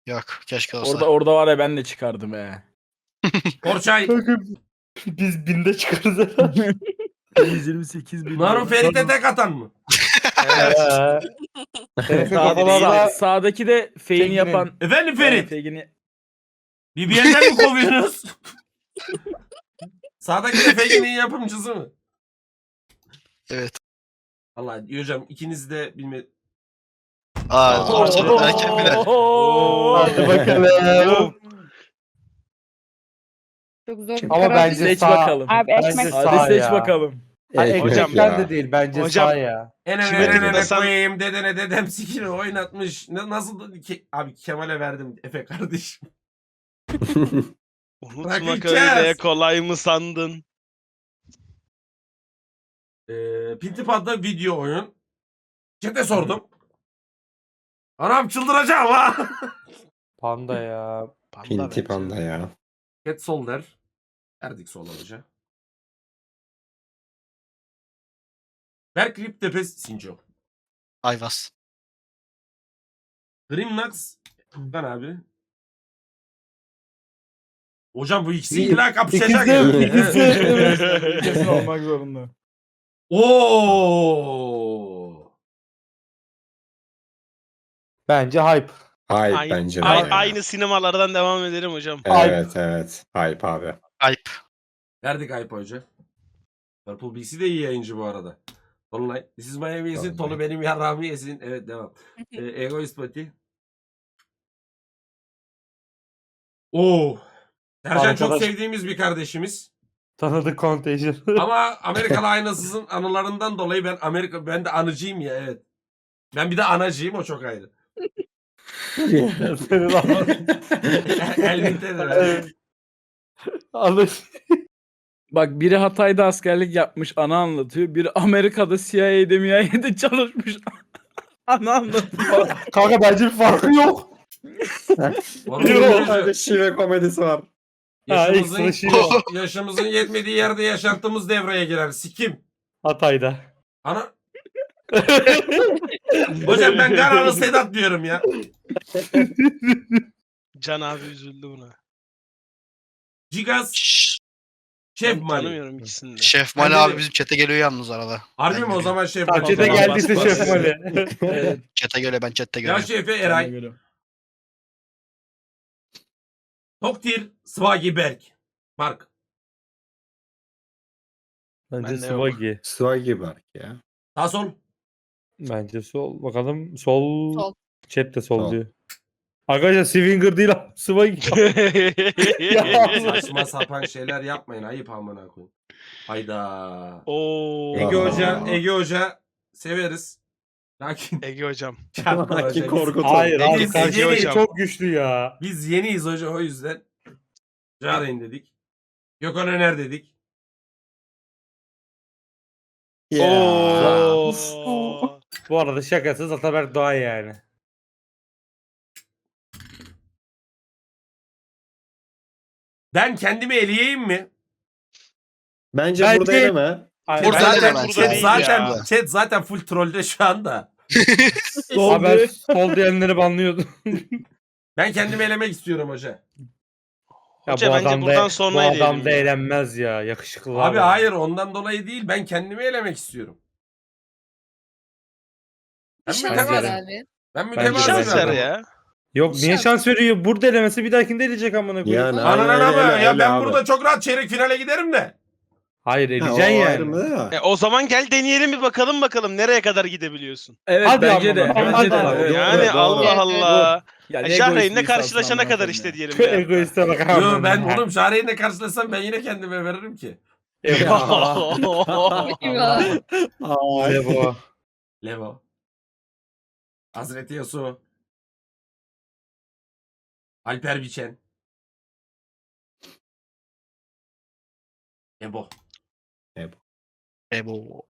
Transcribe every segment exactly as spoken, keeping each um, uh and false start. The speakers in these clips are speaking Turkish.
Yok keşke olsa. Orada orada var ya ben de çıkardım he. Orçay. Biz binde çıkarız herhalde. yüz yirmi sekiz bin. Naru Ferit'e tek atan mı? Evet. Senin Sağ, kafalar sağdaki de fake'ini Fake'ini. yapan. Efendim Ferit. Fake'ini. B B L'den mi kovuyorsunuz? Sağdaki de fake'inin yapımcısı mı? Evet. Allah hocam ikiniz de bilme... Aa ortada derken bile. Hadi bakalım. Çok zor bir Ama karar. bence Seç sağ. bakalım. Abi Bence ekmek. sağ Hadi seç ya. bakalım. Ay, Hocam ekmekten ya. de değil bence Hocam- sağ ya. Ene Kime ene ene tıklasam- koyayım dedene dedem sikini oynatmış. Ne, nasıl da... Ke- abi Kemal'e verdim Efe kardeşim. Unutmak Bakacağız. öyle kolay mı sandın? Ee, Pintipad'da video oyun. Chat'e sordum. Anam çıldıracağım ha. Panda ya. Panda Pinti bence. panda ya. Cat sol der. Erdik sol olacak. Berk Riptepe Sinco. Ayvaz. Grimnax. Ben abi. Hocam bu ikisi illa kapışacak. İkisi, yani. ikisi. Evet. Evet. Kesin olmak zorunda. Oo. Bence hype. Hype Aynı, bence de. ay- ya. aynı sinemalardan devam edelim hocam. Evet evet. Hype abi. Ayıp. Verdik Ayıp Hoca. Purple B C de iyi yayıncı bu arada. Tolunay. This is Miami yesin. Tolunay. Tolu benim yarrağımı yesin. Evet devam. Ee, Egoist Pati. Oo. Sercan çok Arkadaş- sevdiğimiz bir kardeşimiz. Tanıdık Contagion. Ama Amerikalı aynasızın anılarından dolayı ben Amerika ben de anıcıyım ya evet. Ben bir de anacıyım o çok ayrı. Senin ama. Elbette de ben. Alış. Bak biri Hatay'da askerlik yapmış ana anlatıyor. Biri Amerika'da C I A'de M I A'de çalışmış ana anlatıyor. Kanka bence bir farkı yok. Vallahi Şive komedisi var. yaşımızın, Ha, ekstra şive. yaşımızın yetmediği yerde yaşantımız devreye girer. Sikim. Hatay'da. Ana. Hocam ben Ganalı Sedat diyorum ya. Can abi üzüldü buna. Gigas Şşş, Şef Ben Mali. tanımıyorum ikisini de. Şef Ben Mali de- abi bizim chat'e geliyor yalnız arada. Harbi Ben mi o görüyorum. zaman Şef Mali? Takçede Bas, geldiyse bas, Şef bas. Mali. Evet. Chat'e göre ben chat'te Ya görüyorum. Şefe Ben de Eray. görüyorum. Toktir Swagi Berk. Mark. Bence Ben de yok. Swaggy. Swaggy Berk ya. Sağ sol. Bence sol. Bakalım sol. Sol. Chat de sol, Sol. diyor. Arkadaşlar Swinger değil abi. Swaggy. Ya. Saçma sapan şeyler yapmayın. Ayıp amına koyayım. Hayda. Oo. Ege Aa. Hoca, Ege Hoca severiz. Lakin Ege hocam. çarpma Lakin hoca. Biz, korkutun. Hayır abi. Biz Karşı yeni- şey çok güçlü ya. biz yeniyiz hoca o yüzden. Çağırın dedik. Gökhan Öner dedik. Oo. Bu arada şakasız Ataberk Doğan yani. Ben kendimi eleyeyim mi? Bence Bence- burada eleme. Ay, Chat Burada bence- zaten, da ben burada chat değil zaten, ya. chat zaten full trollde şu anda. Sol Abi ben diyor. sol diyenleri banlıyordum. Ben kendimi elemek istiyorum hoca. Ya Hoca bu bence adam buradan da, sonra bu adam eleyelim da ya. eğlenmez ya. Yakışıklı Abi hayır ondan dolayı değil. Ben kendimi elemek istiyorum. Ben Şans Bence mütevazı. de. abi. Ben Bence de. mütevazı Şans bir ver adamım. ya. Yok niye Şans. şans veriyor? Burada elemesi bir dahakinde eleyecek amına koyayım. Yani Anan aynen, ama ele- ya ele ben abi. burada çok rahat çeyrek finale giderim de. Hayır Ha, eleyeceksin o yani. ayrımı da. E, o zaman gel deneyelim bir bakalım bakalım nereye kadar gidebiliyorsun. Evet Hadi bence ama de. bak, Bence hadi de. ama. Evet. Doğru, Yani doğru. Allah Evet, Allah. Ya E, ne Şahreyn'le egoist bir karşılaşana insansın kadar amına işte koyayım diyelim. Şu bir hafta. egoiste bak. Yo amına ben koyayım. oğlum Şahreyn'le karşılaşsam ben yine kendime veririm ki. Ne bu? Levo. Hazreti Yasu. Alper Biçen. Ebo. E bu.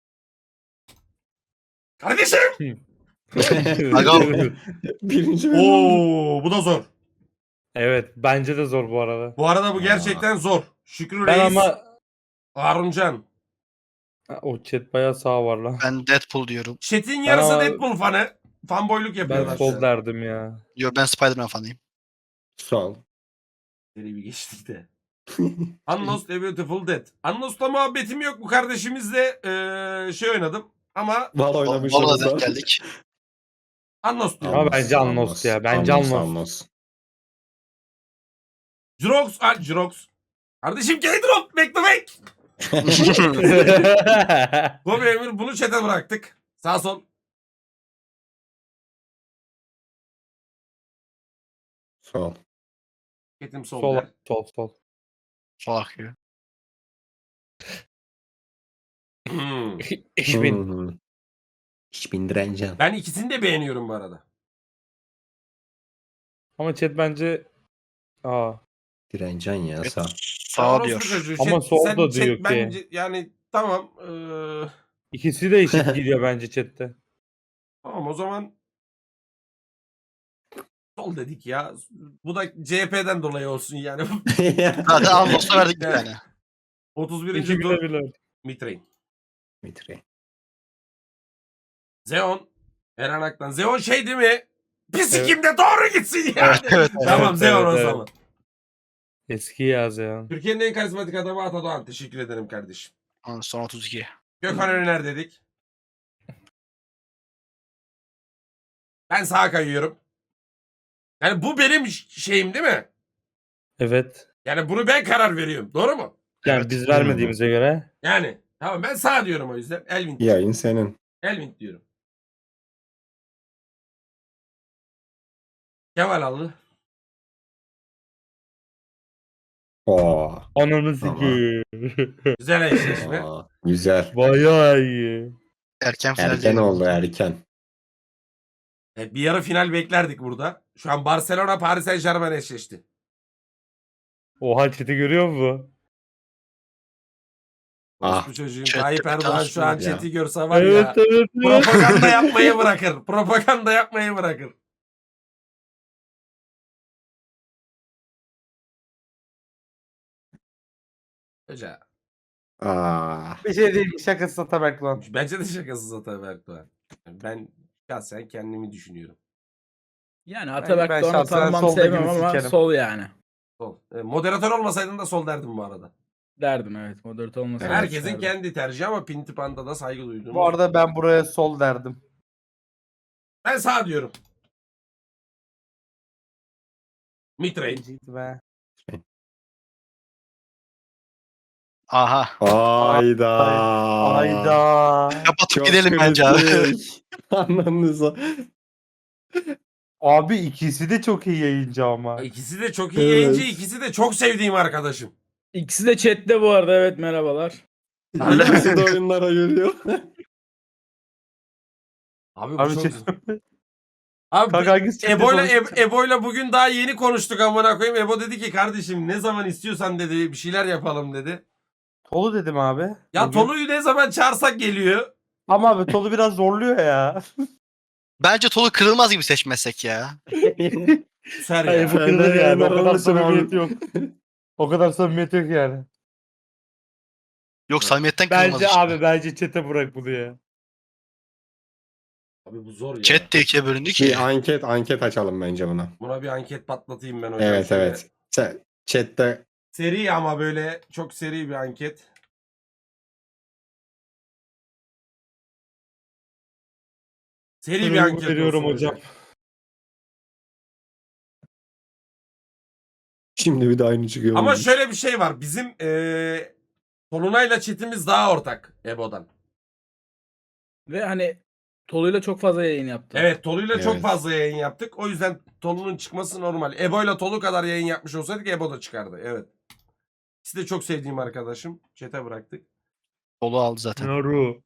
Kardeşim. Aga. Birinci bölüm. Oo bu da zor. Evet bence de zor bu arada. Bu arada bu gerçekten zor. Şükrü Ben Reis. ama Haruncan. Ha, o chat bayağı sağ var lan. Ben Deadpool diyorum. Chat'in yarısı ama- Deadpool fanı. fanboyluk yapıyorlar. Ben şu an. sol derdim ya. Yo ben Spider-Man fanıyım. Sol. Seri bir geçtik de. Unlost A Beautiful Dead. Unlost'la muhabbetim yok. Bu kardeşimizle eee, şey oynadım. Ama Var oynamış. Valla denk geldik. Unlost diyorum. Ama bence Unlost ya, bence Unlost. Jirox, ah Jirox. Kardeşim K-Drop, back to back. Gobi Emir bunu chat'e bıraktık. Sağ sol. Sol. Ketim sol, sol, der. sol, sol. Sol akıyor. Hmm. Ich bin. Hmm. Ich bin direncan. Ben ikisini de beğeniyorum bu arada. Ama chat bence aa. Direncan ya sağ. Sağ Orospu diyor. çocuğu. Ama Chat- sol sen- da chat diyor ki. Bence, yani tamam. eee, İkisi de eşit gidiyor bence chatte. tamam o zaman sol dedik ya. Bu da C H P'den dolayı olsun yani. Zaten Unlost'a verdik bir Evet. tane. otuz birinci İki tur bile bile. Mitrain. Mitre. Zeon. Eren Aktan. Zeon şey değil mi? Pisikimde doğru gitsin yani. Evet, evet. Tamam Evet, Zeon evet, o evet. zaman. Eski yaz ya. Türkiye'nin en karizmatik adamı Atadoğan. Teşekkür ederim kardeşim. Son otuz iki. Gökhan Öner dedik. Ben sağa kayıyorum. Yani bu benim ş- şeyim değil mi? Evet. Yani bunu ben karar veriyorum. Doğru mu? Yani Evet. biz vermediğimize göre. Yani. Tamam ben sağ diyorum o yüzden. Elvin. Yayın senin. Elvin diyorum. Kemal aldı. Oo. Ananı Ama- sikeyim. Güzel eşleşme. Aa, güzel. Bayağı iyi. Erken final Erken diyelim. oldu erken. Evet, bir yarı final beklerdik burada. Şu an Barcelona Paris Saint Germain eşleşti. Oha chat'i görüyor musun? Ah. Ah. Bu çocuğun Chat- Tayyip Erdoğan şu an Ya. chat'i görse var Evet, ya. evet, evet. Propaganda yapmayı bırakır. Propaganda yapmayı bırakır. Hoca. Aa. Bir şey değil. Şakası Ataberk lan. Bence de şakasız Ataberk Doğan. Ben şahsen kendimi düşünüyorum. Yani ben Atabek Doğan'ı şahsen tanımam sol sevmem dediğini ama sikerim. sol yani. Sol. E, moderatör olmasaydın da sol derdim bu arada. Derdim evet. Moderatör olmasa. Evet. Herkesin derdim. kendi tercihi ama Pintipanda da saygı duyduğum. Bu arada ben buraya sol derdim. Ben sağ diyorum. Mitrain. Benciydi be. Aha. Hayda. Ayda. Kapatıp Çok gidelim bence abi. kritik. Anladınız. Abi ikisi de çok iyi yayıncı ama. İkisi de çok iyi Evet. yayıncı, ikisi de çok sevdiğim arkadaşım. İkisi de chatte bu arada, evet merhabalar. İkisi de oyunlara geliyor. Abi bu Abi çok... şey... Abi Kanka hangisi chatte Ebo'yla konuşacak? Eb- Ebo'yla bugün daha yeni konuştuk amına koyayım. Ebo dedi ki kardeşim ne zaman istiyorsan dedi bir şeyler yapalım dedi. Tolu dedim abi. Ya Bugün. Tolu'yu ne zaman çağırsak geliyor. Ama abi Tolu biraz zorluyor ya. Bence Tolu kırılmaz gibi seçmezsek ya. Ser ya. Hayır bu Senden kırılır yani. O yayınlar kadar alırsın abi. samimiyet yok. O kadar samimiyet yok yani. Yok samimiyetten kırılmaz Bence işte. abi bence chat'e bırak bunu ya. Abi bu zor ya. Chat de ikiye bölündü ki. Bir anket anket açalım bence buna. Buna bir anket patlatayım ben hocam. Evet şöyle. evet. Sen chatte Seri ama böyle çok seri bir anket. Seri bir Uygun anket veriyorum olsun hocam. şimdi bir de aynı çıkıyor. Ama şöyle bir şey var. Bizim eee Tolunay'la chatimiz daha ortak Ebo'dan. Ve hani Tolu'yla çok fazla yayın yaptı. Evet Tolu'yla çok Evet. fazla yayın yaptık. O yüzden Tolu'nun çıkması normal. Ebo'yla Tolu kadar yayın yapmış olsaydık Ebo da çıkardı. Evet. İkisi de çok sevdiğim arkadaşım. Chat'e bıraktık. Tolu aldı zaten. Naru.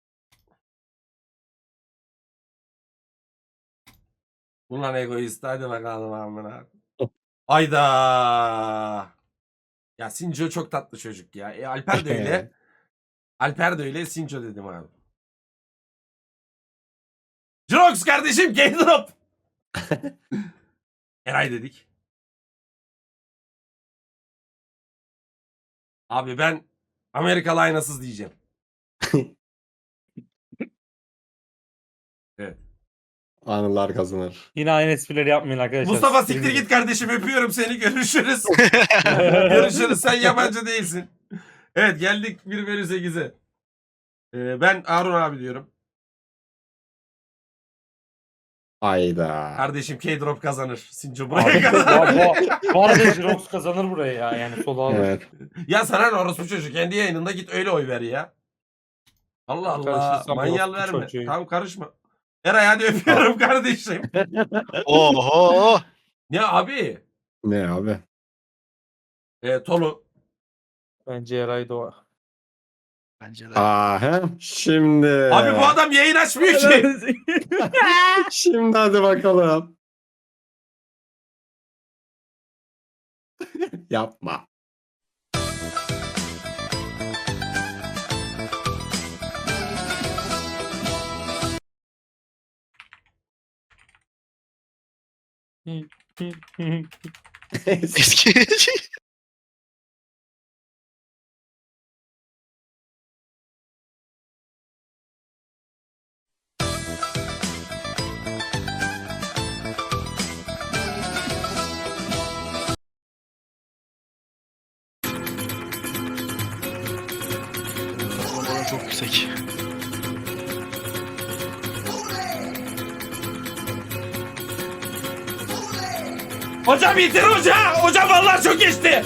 Ulan egoist. Hadi bakalım amına. Ayda. Ya Sinco çok tatlı çocuk ya. E, Alper de öyle. Alper de öyle. Sinco dedim abi. Jirox kardeşim K-Drop. Eray dedik. Abi ben Amerikalı aynasız diyeceğim. Evet. Anılar kazanır. Yine aynı esprileri yapmayın arkadaşlar. Mustafa siktir git kardeşim, öpüyorum seni, görüşürüz. Görüşürüz, sen yabancı değilsin. Evet, geldik bir bölü sekize. Ee, ben Harun abi diyorum. Hayda. Kardeşim K-Drop kazanır. Sinco Abi, buraya kazanır. bu, bu, bu arada Jirox kazanır buraya ya. Yani solu alır. Evet. Ya sana ne orospu çocuğu, kendi yayınında git öyle oy ver ya. Allah Allah, Karışırsam manyal orospu verme. çocuğu. Tamam, karışma. Eray hadi öpüyorum kardeşim. Oho. Ne abi? Ne abi? Ee, Tolu. Bence Eray Doğa. Bence de. Aha. Şimdi. Abi bu adam yayın açmıyor ki. Şimdi hadi bakalım. Yapma. Eski. Oran çok yüksek. Hocam yeter hoca. Hocam vallahi çok geçti.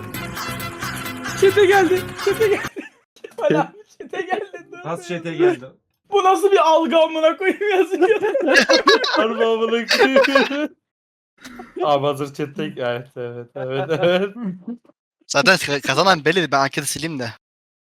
Çete geldi. Çete geldi. Kemal abi çete geldi. Dur. Nasıl çete geldi? Bu nasıl bir algı amına koyayım yazıyor. Harbi amına koyayım. Abi hazır chatte. Evet evet evet evet. Zaten ka- kazanan belli. Ben anketi sileyim de.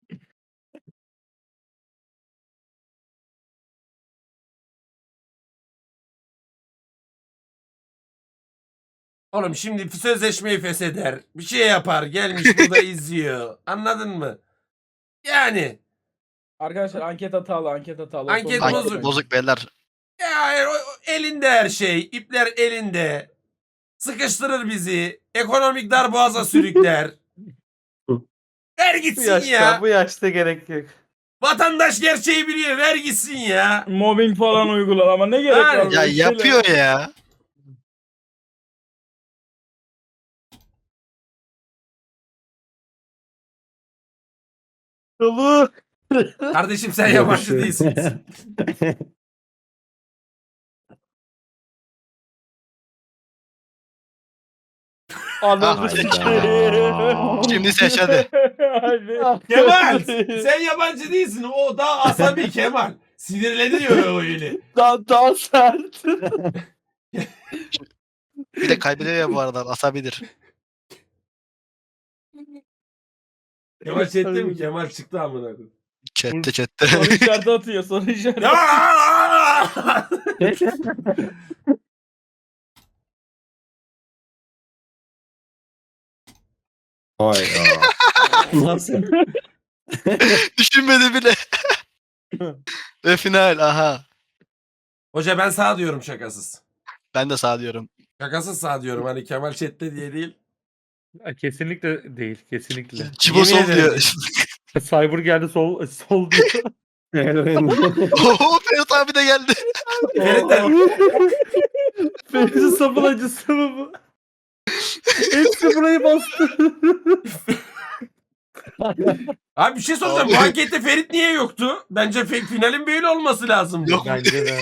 Oğlum şimdi sözleşmeyi fesheder. Bir şey yapar. Gelmiş burada izliyor. Anladın mı? Yani. Arkadaşlar anket hatalı, anket hatalı. Anket Sonuna bozuk. Anket bakmayın. bozuk beyler. Ya o- o- elinde her şey. İpler elinde. Sıkıştırır bizi. Ekonomik darboğaza sürükler. Ver Bu gitsin yaşta, ya. bu yaşta gerek yok. Vatandaş gerçeği biliyor. Ver gitsin ya. Mobbing falan uygular ama ne gerek Yani, var? Ya böyle şeylere? yapıyor ya. Dolu. Kardeşim sen yabancı değilsin. Anladım. Hayda. Şimdi seç hadi. Kemal sen yabancı değilsin. O daha asabi Kemal. Sinirleniyor o öyle. Daha, daha sert. Bir de kaybediyor ya bu arada. Asabidir. Kemal chatte mi? Kemal çıktı amına koyayım. Chatte chatte. Soru işareti atıyor, soru işareti. Ya! Hayda. Nasıl? Düşünmedi bile. Ve final aha. Hoca ben sağ diyorum şakasız. Ben de sağ diyorum. Şakasız sağ diyorum. Hani Kemal chatte diye değil. Kesinlikle değil. Kesinlikle. Cibo Yemin sol ederim. diyor. Cyber geldi sol sol diyor. Oho Ferit abi de geldi. Ferit de- Ferit'in sapın acısı mı bu? Hepsi burayı bastı. Abi bir şey soracağım. Bu Abi. ankette Ferit niye yoktu? Bence fe- finalin böyle olması lazım. Yok. Bence de.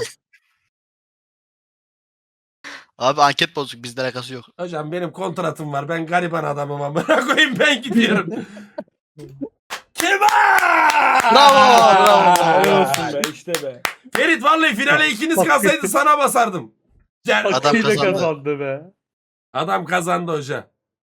Abi anket bozuk. Bizde alakası yok. Hocam benim kontratım var. Ben gariban adamım amına koyayım, ben gidiyorum. Kemal! Bravo, bravo. Helal olsun be, işte be. Ferit vallahi finale ikiniz kalsaydı sana basardım. Gel. Adam Hakkıyla kazandı. kazandı be. Adam kazandı hoca.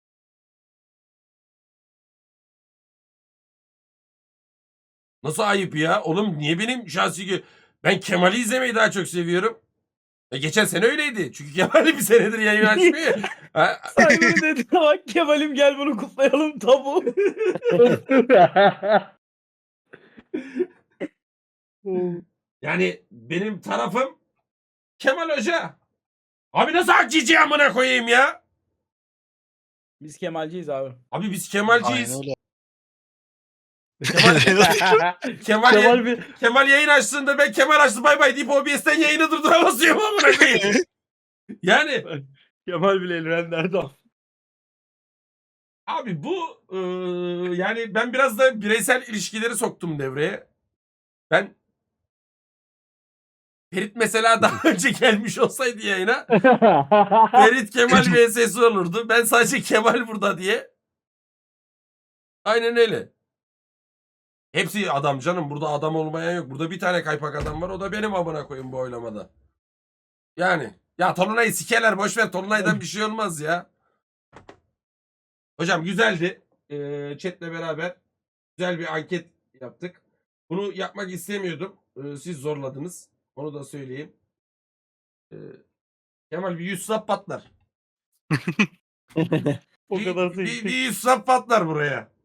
Nasıl ayıp ya? Oğlum niye benim şahsi gö- ben Kemal'i izlemeyi daha çok seviyorum. E geçen sene öyleydi. Çünkü Kemal'i bir senedir yayın açmıyor. Ha, Cyber dedi bak Kemal'im gel bunu kutlayalım tabu. yani benim tarafım Kemal Hoca. Abi nasıl hakçici amına koyayım ya? Biz Kemalciyiz abi. Abi biz Aynen Kemalciyiz. öyle. Kemal, Kemal, Kemal bir Kemal yayın açtığında ben Kemal açtı bay bay deyip O B S'ten yayını durduramazıyorum amına koyayım. Yani Kemal bile Elrenler'de. abi bu e, yani ben biraz da bireysel ilişkileri soktum devreye. Ben Ferit mesela daha önce gelmiş olsaydı yayına Ferit Kemal vs olurdu. Ben sadece Kemal burada diye. Aynen öyle. Hepsi adam canım. Burada adam olmayan yok. Burada bir tane kaypak adam var. O da benim amına koyayım bu oylamada. Yani. Ya Tolunay'ı sikerler. Boşver. Tolunay'dan bir şey olmaz ya. Hocam güzeldi. Ee, chat'le beraber güzel bir anket yaptık. Bunu yapmak istemiyordum. Ee, siz zorladınız. Onu da söyleyeyim. Ee, Kemal bir yüz sap patlar. O Bir, kadar bir, sevdim. bir yüz sap patlar buraya.